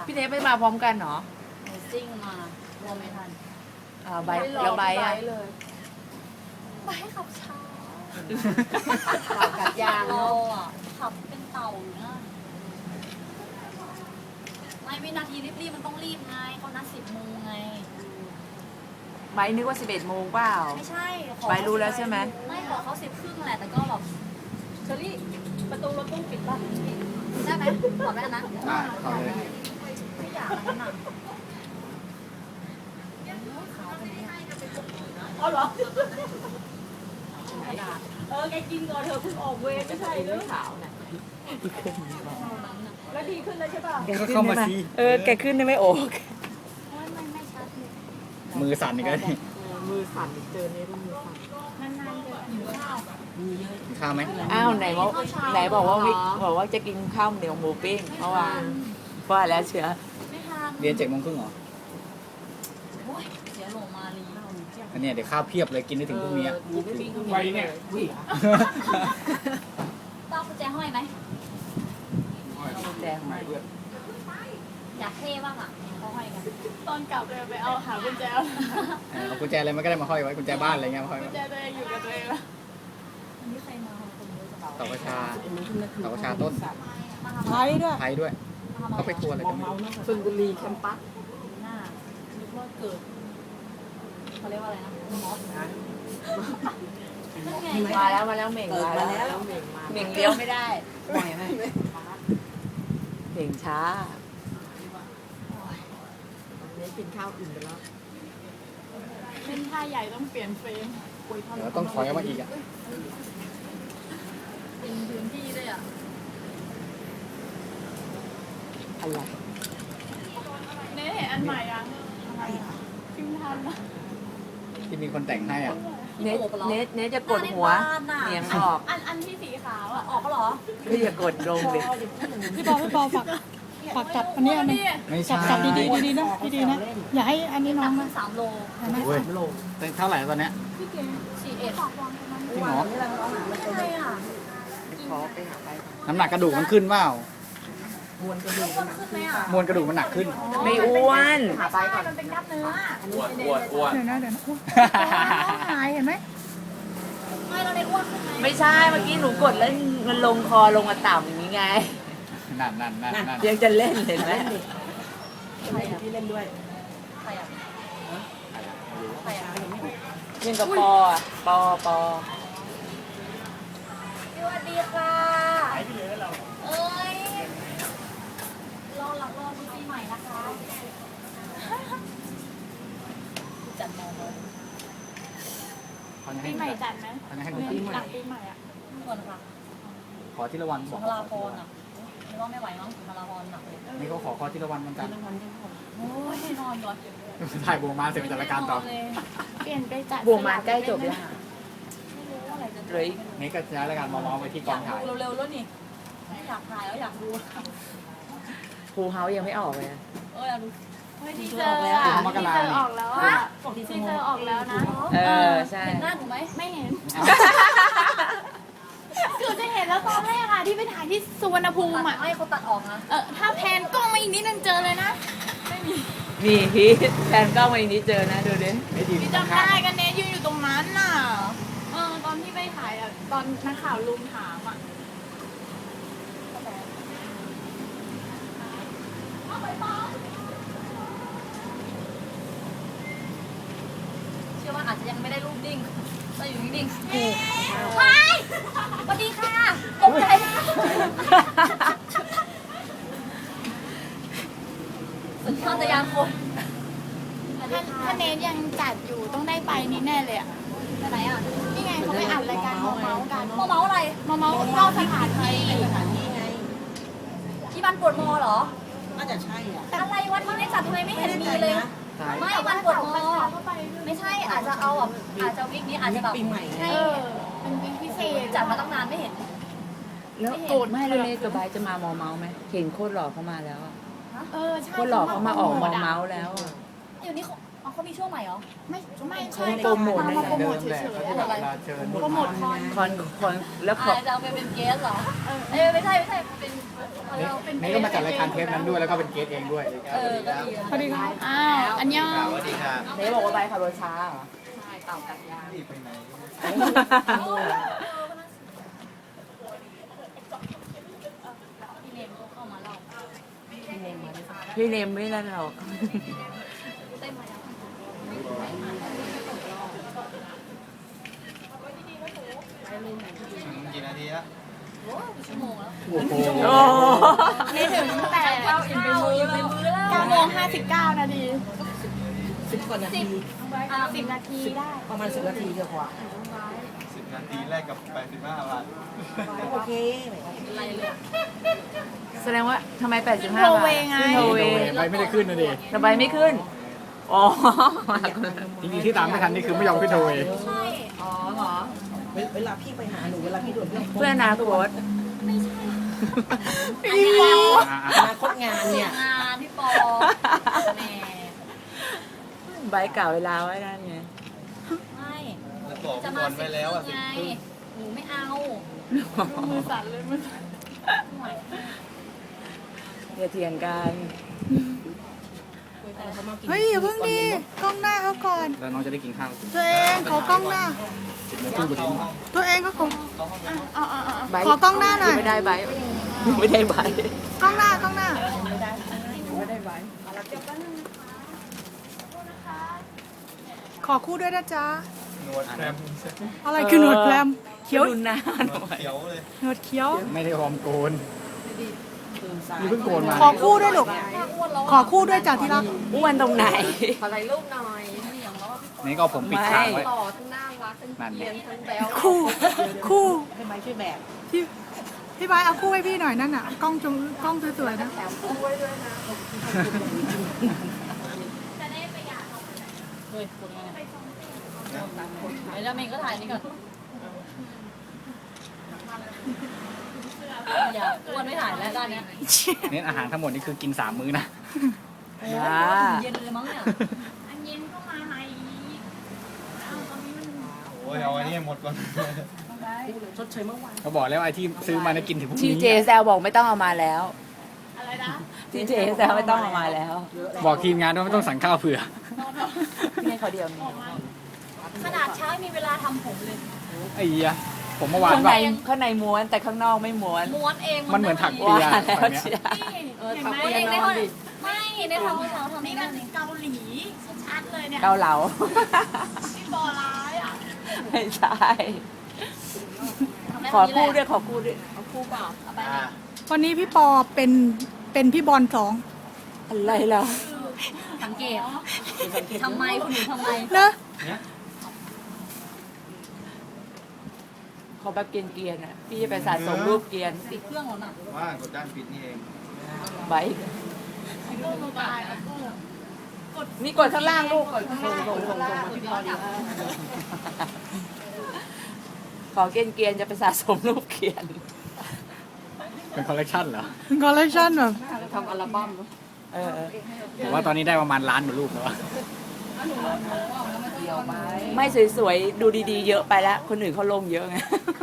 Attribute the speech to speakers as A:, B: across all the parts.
A: พี่เนทไม่มาพร้อมกันเหรอ
B: หนูซิ่งมารวมไม่ทัน
A: ใบแล้วใบอ่ะ
B: ไปขับช้า
C: กับยาง
B: เราอ่ะขับเป็นเต่าอยู่นะไม่วินาทีรีบๆมันต้องรีบไงเขานัด10 โมงไง
A: ใบนึกว่า11 โมงเปล่า
B: ไม่ใช่ขอ
A: ใบรู้แล้วใช่ไหม
B: ไม่ขอเขา10 ครึ่งแหละแต่ก็แบบเชอรี่ประตูรถตู้ปิดป่ะได้ไหมขอแม่นะ
D: ได้เข้าเลย
B: ไม่อยากอันนั้นอ่ะขาวตรงนี้
C: อ๋อเหรอแกกินก่อนเธอเพิ่งออกเวรไม่ใช่หรือขาวน่ะแล้วดีขึ้นแล้วใช่ป่ะ
D: ก็เข้ามาสิ
A: แกขึ้นได้ไหมโอ๊ก
B: โอ้ยไม่ชัดเลย
D: มือสั่นอีกแล้วนี่
C: มือสั่นเจอเนี่ยมือสั่น
B: นานๆจะหิวข้าว
D: กินข้าวไหม
A: อ้าวไหนบอกว่าบอกว่าจะกินข้าวเหนียวหมูปิ้งเมื่อวานว่าแล้วเชียว
B: ไม่ทาน
D: เรียน7:30เหรอ
B: โอ้ยเสียโหลมาลี
D: อันเนี้ยเดี๋ยวข้าวเพียบเลยกินได้ถึงพรุ่งนี้
C: ไวเนี่ย
B: ต้องกุญแจห้อยไหม
A: แดงมา
B: อยากเท่บ้างอ่ะเขาห้อยกัน
E: ตอนกลับเลยไปเอาหากุญแจ
D: เอากุญแจอะไรมันก็ได้มาห้อยไว้กุญแจบ้านอะไรเงี้ยมาห้อย
E: กุ
D: ไว้
E: ญแจตัวเองอยู่กับตัวเองแล้ว
B: วันนี้ใครมาคนเยอะจัง
D: เต่ากระชาเต่ากระชาต้น
B: มาทำ
C: ไท
B: อะไร
C: ยด้วย
D: ไทยด้วย
B: มาทำอะ
D: เขา
B: ไร
D: ไปทัวร์อะไรกันไม่รู้
C: ชลบุรีแคมปัส
B: หน้านึกว่าเกิดเขาเรียกว่าอะไรนะมอสนั่นไง
A: มาแล้วเหม่ง
C: เปิด
A: มา
C: มา
A: แล้ว
C: แล้วเหม่งมา
A: เหม่งเลี้ยวไม่ได้
C: ปล่อยไหม
A: เหม่งช้า
C: เน้นกินข้าวอิ่มไปแล้ว
E: เล่นท่าใหญ่ต้องเปลี่ยนเฟรม
D: เดี๋ยวต้องถอยออกมาอีกอ่ะ
B: เป็นพื้นที่ด้วยอ่ะ
A: อะไร
E: เน่เห็นอันใหม่ยังพิมพ์ทันนะ
D: ที่มีคนแต่งให้อ่ะ
A: เนทจะกดหัวเหนียงออก
E: อันที่สีขาวอ่ะ
B: ออกก็เหรอ
A: ก็อย่ากดลงเลย
F: พี่ปอฝากจับอันนี้อันนี้
D: ไม่ใช่
F: จับดีๆดีๆนะดีๆนะ อย่าให้อันนี้น้
B: ตั
F: อง
B: ก
F: นะ
B: 3 โล
D: เว้ยเท่าไหร่ตอนเนี้ย
B: 41
D: จริงเหรอ
B: ใช่อ่ะ
A: ขอไปหาใคร
D: น้ำหนักกระดูกมันขึ้นเปล่า
B: อ้วนขึ้นไหมอ่ะ
D: มวลกระดูกมันหนักขึ้น
A: ไม่อ้วน
C: หาไปก่อน
B: มันเป็นกล้ามเนื้อ
F: เดี๋ยวนะอุ๊ยน้องหายเห็นไหม
B: ไม่เราได้อ้วนขึ้นไหม
A: ไม่ใช่เมื่อกี้หนูกดแล้วมันลงคอลงมาต่ำอย่างนี้ไง
D: นั่น
A: ยังจะเล่นเห็นไหม
C: พี่เล่นด้วย
B: ใครอ่ะใครอ่ะ
A: ยังกับปออ่ะปอ
B: สวัสดีค่ะเอ้ยรอดูปีใหม่นะคะจัดมองเลย
E: ปีใหม่จัดไหม
D: เขาจะให้
E: ห
D: คุณปีใหม่
E: ลังปีใหม่อ่ะ
B: ก่อนค่ะ
D: ขอทีละวัน
B: สุนทราพรอ่ะไม่ว่าไม่ไหวมั้งสุนทราพรหนักเลย
D: นี่เขาขอทีละวันมันกัน
B: โอ้ยนอนก่อน
D: ถ่ายโบมาเสร็จจัดรายการต่อ
E: เปลี่ยนไปจัด
A: บวงมาใกล้จบแล้ว
B: ไม่รู้ว่าอะไรจะ
A: เลย
D: นี่ก็ย้ายรายการมองไปที่ก
B: อ
D: อย
B: าง ก
D: ถ่าย
B: ดูเร็วๆแล้วนี่อยากถ่ายแล้วอยากดู
A: ครูเฮายังไม่ออกเลย
B: อยากดู
E: เฮ้ยทีเซอร์อ่ะทีเซอร์ออกแล้วอ่ะทีเซอร์ออกแล้วนะ
A: ใช่
B: เห็นหน้าหนูไหม
E: ไม่เห็น คือจะเห็นแล้วตอนแรกอ่ะที่ไปถ่ายที่สุวรรณภูมิอ่ะ
B: ไม่เขาตัดออกนะ
E: ถ้าแพนกล้องมาอีกนิดนึงเจอเลยนะ
A: นี่พีทแฟนกล้องวันนี้เจอนะดูดิ
D: ไม่ดี
E: พี่จำได้กันเนยยืนอยู่ตรงนั้นน่ะตอนที่ไปถ่ายอ่ะตอนนักข่าวลุมถามอ่ะ
B: เชื่อว่าอาจจะยังไม่ได้รูปนิ่งแต่อยู่นิ่งๆไปสวัสดีค่ะตกใจสัญชาตญาณคน
E: ถ้าเนยยังจัดอยู่ต้องได้ไปนี่แน่เลยอ่ะ
B: ไปไหนอ่ะ
E: นี่ไงเขาไปอัดรายการเมาส์กัน
B: เมาอะไร
E: เมาส์เข้าสถานที่
B: ที่บ้านปวดมอเหรอ
C: น่าจะใช่อ่ะ
B: อะไรวันที่ได้จัดทำไมไม่เห็นมีเลย ไม่วันปวดมอไม่ใช่อาจจะเอาแบบอาจจะวิกนี้อาจจะแบบ
C: ปีใหม่
B: ให้
E: เป็นวิกพิเศษ
B: จัดมาตั้งนานไม่เห็น
A: แล้วโกรธไม่แล้วเนทกับไบร์ทจะมามอเมาส์ไหมเห็นโคตรหล่อเขามาแล้วอะ
E: ใช่
A: โคตรหล่อเขามาออกมอเมาส์แล้วอะ
B: อยู่นี่อ๋อเขามีช่วงใหม่เหรอ
E: ไม่ใช่
A: โปรโมท
E: มาโปรโมทเฉย
D: เขา
E: ๆ
D: จะแบบเวลาเชิญ
E: โปรโมทคอน
A: คอนแล้วขอ
B: จะเอาไปเป็นเกสเหรอเอ้ยไม่ใช่เป็นเราเป็น
D: นี่ก็มาจัดรายการเทปนั้นด้วยแล้วก็เป็นเกสเองด้วย
B: ก็ดี
E: สวัสดีครับอ้าว อันยอง
G: สวัสดีครับ
A: เนบอกว่าใบขับรถช้าเหรอ
G: นี่ไปไหน
B: พี่เนมก็เข้ามาเล่า
A: พี่เนมไม่นั่นหรอก
B: เต้นมาแล้ว
G: กี่นาทีแล้ว
B: โอ้ชั่วโมงแล้ว
D: โอ้โห
A: โอ้
E: นี่ถึงแต่
B: เอาอิ่มไปมือแล้ว
E: 9 โมง 59 นาที
A: 10 กว่านาที
E: 10 นาทีได้
A: ประมาณ10 นาทีกว่า
G: 10 นาทีแรกกับ85 บาท
A: โอเค
B: อะไรเลย
A: แสดงว่าทำไม 85
E: โทร
A: บาท
E: เวไง
A: ขึ้นโทรเว
D: ไปไม่ได้ขึ้นนะดิ
A: ทำไมไม่ขึ้น อ๋อ
D: จริงๆที่ตามไม่ทันนี่คือไม่ยอมขึ้นโทรเวย์
B: ใช่
A: อ๋อเหรอ
H: เวลาพี่ไปหาหนูเวลาพี่ด่วน
A: เพื่อนอนาคต
H: อนาคตงานเนี่ย
B: งานพี่ปอแหม
A: ใบเก่าเวลาไว้นั่นไง
B: ไม่
G: แล้วบอก
B: จะ
G: ก่
B: มา
G: อนไว้แล้วอ่ะ
B: ไงหนูไม่เอา
E: มือสั่นเลยมือสั่น
A: อย่าเถียงกัน
F: เฮ้ยอย่าเพิ่งดีกล้องหน้าเขาก่อน
D: แล้วน้องจะได้กินข้าว
F: ตัวเองขอกล้องหน้า
D: 10 โมงครึ่งพอดี
F: ตัวเองก็ขอ
A: ใบ
F: ขอกล้องหน้าหน่อย
A: ไม่ได้ใบไม่ได้ใบ
F: กล้องหน้ากล้องหน้า ขอคู่ด้วยนะจ๊ะ
G: หนวดแคม
F: อะไรคือหนวดแพรมเขียว
A: รุนหน้า
G: หนวดเขียวเลย
F: หนวดเขียว
D: ไม่ได้หอมโกนนี่เพิ่งโกนมา
F: ขอคู่ด้วยลูกขอคู่ด้วยจ้ะที่รัก
A: อ้วนตรงไหน
D: นี่ก็เอาผมปิดทางไว้
B: ต่อทั้งน่ารักทั้ง
D: นั่น
B: เกลี
D: ไง
B: ยนทั้งแบ๊ว
F: คู่คู่
H: ให้ไม้ช่วยแบก
F: พี่บายเอาคู่ให้พี่หน่อยนั่นน่ะกล้องกล้องสวยๆนะ
B: เฮ้ยคนนี้ไอ้เจ้าเมงก็ถ่ายนี่ก่อนอย่าอ้วนไม่ถ่ายแล้วด้านเนี้ย
D: เน้นอาหารทั้งหมดนี่คือกิน3 มื้อนะ
A: จ้า
B: เย็นเลยมั้งเนี่ย
E: อันเย็นก็มาใหม่อีกอ้าวตอนนี้มัน
G: โอ้ยเอาอันนี้ให้หมดก่อน
H: ชดเชยเมื่อวาน
D: เขาบอกแล้วไอ้ที่ซื้อมานะกินถึงพรุ่ง
A: ที
D: นี้
A: เจแซวบอกไม่ต้องเอามาแล้ว
E: อะไรนะ
A: ทีเจแซวไม่ต้องเอามาแล้ว
D: บอกทีมงานว่าไม่ต้องสั่งข้าวเผื่อ
A: พี่ให้เขาเดียวนี่
B: ขนาดเช้ามีเวลาทำผมเลย
D: ไอ้เหี้ยผมเมื่อวาน
A: ข้าง
D: แบ
A: ใน
D: บ
A: ข้างในม้วนแต่ข้างนอกไม่ม้วน
B: ม้วนเอง
D: มันเหมือนถัก
A: ว่า
D: เปีย
A: แล้ว
D: แบบเนี้ย
A: เชีย
E: เห็นไหม
B: ม้วนเองในห้องไม่ในท้องเช้าทำ
E: นี่
B: นี่
E: มั
B: นั่
E: น
B: นนี่
E: เกาหลีชัดๆเลยเนี่ย
A: เกาเหลา
E: พี่บอร้ายอ่ะ
A: ไม่ใช่ ขอคู่ด้วยขอคู่ด้วย
B: เอาคู่เปล่าเอาไป
G: อ่า
F: วันนี้พี่ปอเป็นพี่บอล2
A: อะไรล่ะ
B: สังเกตทำไมคุณหนูทำไม
F: นะ
A: ขอแบบเกรียนๆอ่ะพี่จะไปสะสมรูปเกรียน
B: ติดเครื่องแล้วน่ะ
G: ว่ากดด้านปิดนี่เอง
A: ไบค์นี่กดข้างล่างลูกกดข้างล่างขอเกรียนๆจะไปสะสมรูปเกรียน
D: เป็นคอลเลกชันเหรอ
F: คอลเลคชันแบบ
A: ทำอัลบั้มเออ
D: ผมว่าตอนนี้ได้ประมาณ1,000,000 กว่ารูปแล้วอะ
A: ไม่สวยๆ ดูดีๆ เยอะไปแล้ว คนอื่นเขาลงเยอะไง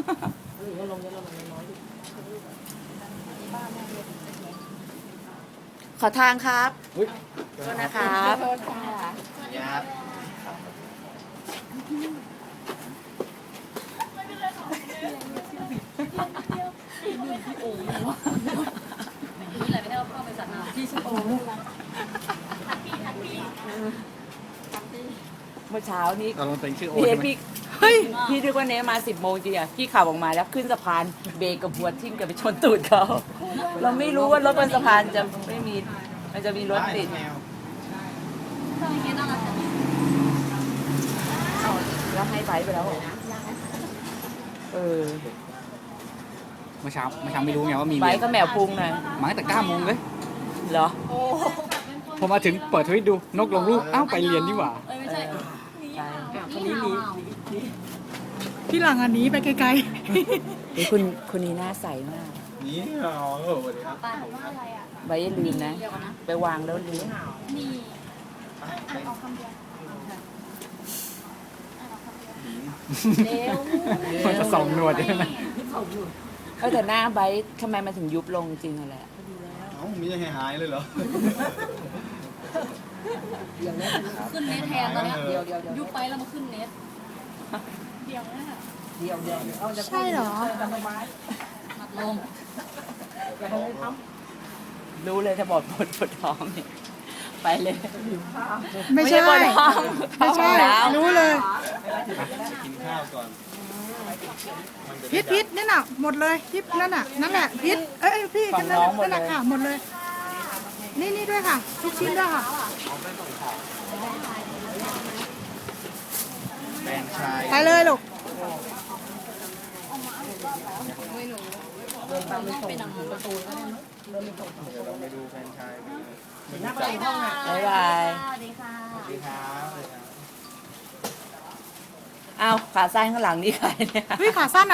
A: ขอทางครับ
D: อุ๊ย
A: โทษนะครับ
G: ยับ
B: นี่แหละไม่ได้เอาเข้าไปสัตว์น้ำที่ชโอ
A: เมื่อเช้านี้
D: เราลงเป็นชื่อโอ
A: พี่เอ
D: ใช่
A: ก
D: ไหม
A: พี่พี่นึกว่าเนมา10 โมงจริงอ่ะพี่ขับออกมาแล้วขึ้นสะพานเบรกกับหัวทิ่มกับไปชนตูดเขา เราไม่รู้ว่ารถบนสะพานจะไม่มี มันจะมีรถติด
G: แมว
B: เครื่องนี้น่ารักจัง
A: แล้วให้ไฟไปแล้วเหรอเออ
D: เมื่อเช้าไม่รู้ไงว่ามี
A: ไฟ
D: เรียน
A: ก็แมวพุงหน่อย
D: มาตั้งแต่9 โมงเลย
A: เหรอ
D: พอมาถึงเปิดทวิตดูนกลงรูปอ้าวไปเรียนดีกว่า
B: เอ้ยไม่ใช่
A: คนนี้มี
F: พี่หลังอันนี้ไปไกล
A: คนนี้หน้าใสมาก
G: นี่เหรอโอ้โหสวัสดีครับ
B: ป้าบอกว่าอะไรอ่ะ
A: ไว้อย่าลืมนะ
B: เดี๋ยวก่อนนะ
A: ไปวางแล้วลืม
B: มี
G: ไป
B: เร็ว
D: มันจะส่องหนวดใช่ไหม
A: แต่หน้าไบร์ททำไมมันถึงยุบลงจริงอะไร
G: เอ้ามียังไงหายเลยเหรอ
B: ขึ้นเน็ตแทนตอนเนี้ย
H: เดี๋ยว
B: ยุบไปแล้วมาขึ้นเน็ต
H: เอาจะ
E: ใช่เหรอ
B: มัดลง
A: รู้เลยถ้าบอกปวดท้องเนี่ยไปเลย
E: ไม่ใช่
A: ปวดท้อง
E: ไม่ใช่
A: ท้องแล้ว
E: รู้เลย
G: กินข้าวก่อน
E: พิษนั่นน่ะหมดเลยพิษนั่นน่ะนั่นแหละพิษเอ้ยพี่นั่นน่ะนั่นแหละค่ะหมดเลย นี่ด้วยค่ะทุกชิ้นด้วยค่ะ
G: แฟนชาย
E: ไปเลยลูก
G: เดี๋ยวเราไปดูแฟนชายเหมือนจับ
A: บ๊ายบาย
B: สวัสดีค่ะ
G: สวัสดีครับ
A: อ้าวขาสั้นข้างหลังนี่ใครเนี่ย
E: เฮ้ยขาสั้น